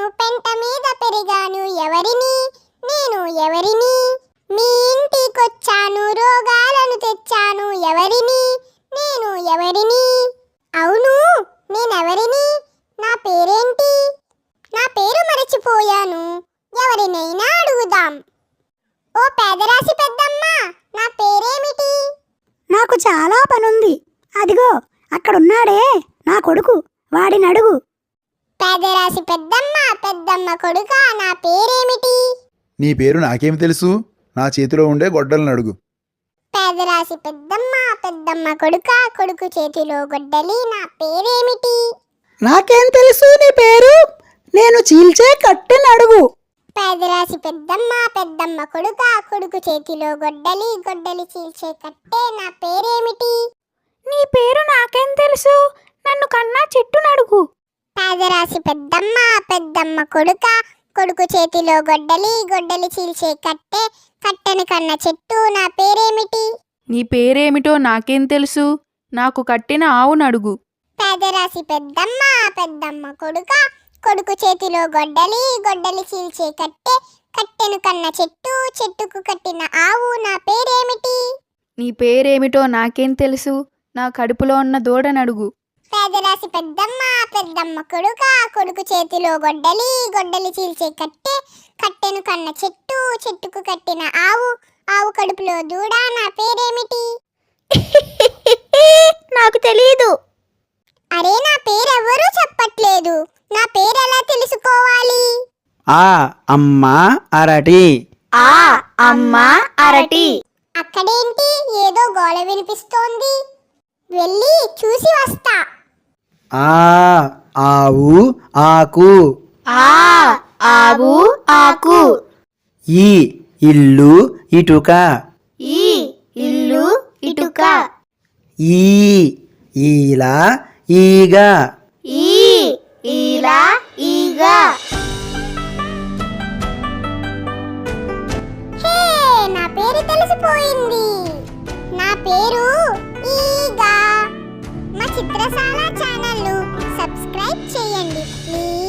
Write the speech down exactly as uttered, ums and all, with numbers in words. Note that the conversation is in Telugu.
పెంట మీద పెరిగాను ఎవరిని నేను ఎవరిని మీ ఇంటికొచ్చాను రోగాలను తెచ్చాను ఎవరిని నేను ఎవరిని అవును నేనెవరిని నా పేరేంటి నా పేరు మరచిపోయాను ఎవరినైనా అడుగుదాం ఓ పేదరాశి పెద్దమ్మ నా పేరేమిటి నాకు చాలా పనుంది. అదిగో అక్కడున్నాడే నా కొడుకు, వాడిని అడుగు. పేదరాశి పెద్దమ్మ పెద్దమ్మ కొడుక నా పేరేమిటి నీ పేరు నాకేం తెలుసు? నా చేతిలో ఉండే గొడ్డలను అడుగు. పేదరాశి పెద్దమ్మ పెద్దమ్మ కొడుక కొడుకు చేతిలో గొడ్డలి నా పేరేమిటి నాకేం తెలుసు నీ పేరు? నేను చీల్చే కట్టెని అడుగు. పేదరాశి పెద్దమ్మ పెద్దమ్మ కొడుక కొడుకు చేతిలో గొడ్డలి గొడ్డలి చీల్చే కట్టే నా పేరేమిటి నీ పేరు నాకేం తెలుసు? నన్ను కన్నా చెట్టును అడుగు. పేదరాశి పెద్దమ్మ పెద్దమ్మ కొడుక కొడుకు చేతిలో గొడ్డలి గొడ్డలి చీల్చే కట్టే కట్టెను కన్న చెట్టు నా పేరేమిటి నీ పేరేమిటో నాకేం తెలుసు? నాకు కట్టిన ఆవును అడుగు. పేదరాశి పెద్దమ్మ పెద్దమ్మ కొడుక కొడుకు చేతిలో గొడ్డలి గొడ్డలి చీల్చే కట్టే కట్టెను కన్న చెట్టు చెట్టుకు కట్టిన ఆవు నా పేరేమిటి నీ పేరేమిటో నాకేం తెలుసు? నా కడుపులో ఉన్న దూడను అడుగు. పేదరాశి పెద్దమ్మ పెద్దమ్మ కొడుక కొడుకు చేతిలో గొడ్డలి గొడ్డలి చీల్చే కట్టే కట్టెను కన్న చెట్టు చెట్టుకు కట్టిన ఆవు ఆవు కడుపులో దూడ నా పేరేమిటి నాకు తెలీదు. అరే నా పేరెవ్వరూ చెప్పట్లేదు నా పేరెలా తెలుసుకోవాలి ఆ అమ్మ అరటి. ఆ అమ్మ అరటి. అక్కడేంటి ఏదో గోల వినిపిస్తోంది వెళ్ళి చూసి వస్తా ఆ ఆవు ఆకు. ఆ ఆవు ఆకు. ఈ ఇల్లు ఇటుక. ఈ ఇల్లు ఇటుక. ఈ ఈల ఈగ. ఈ ఈల ఈగ. హే నా పేరు తెలిసిపోయింది నా పేరు ఈగా మా చిత్రశాల ఛానల్ సబ్స్క్రైబ్ చేయండి ప్లీజ్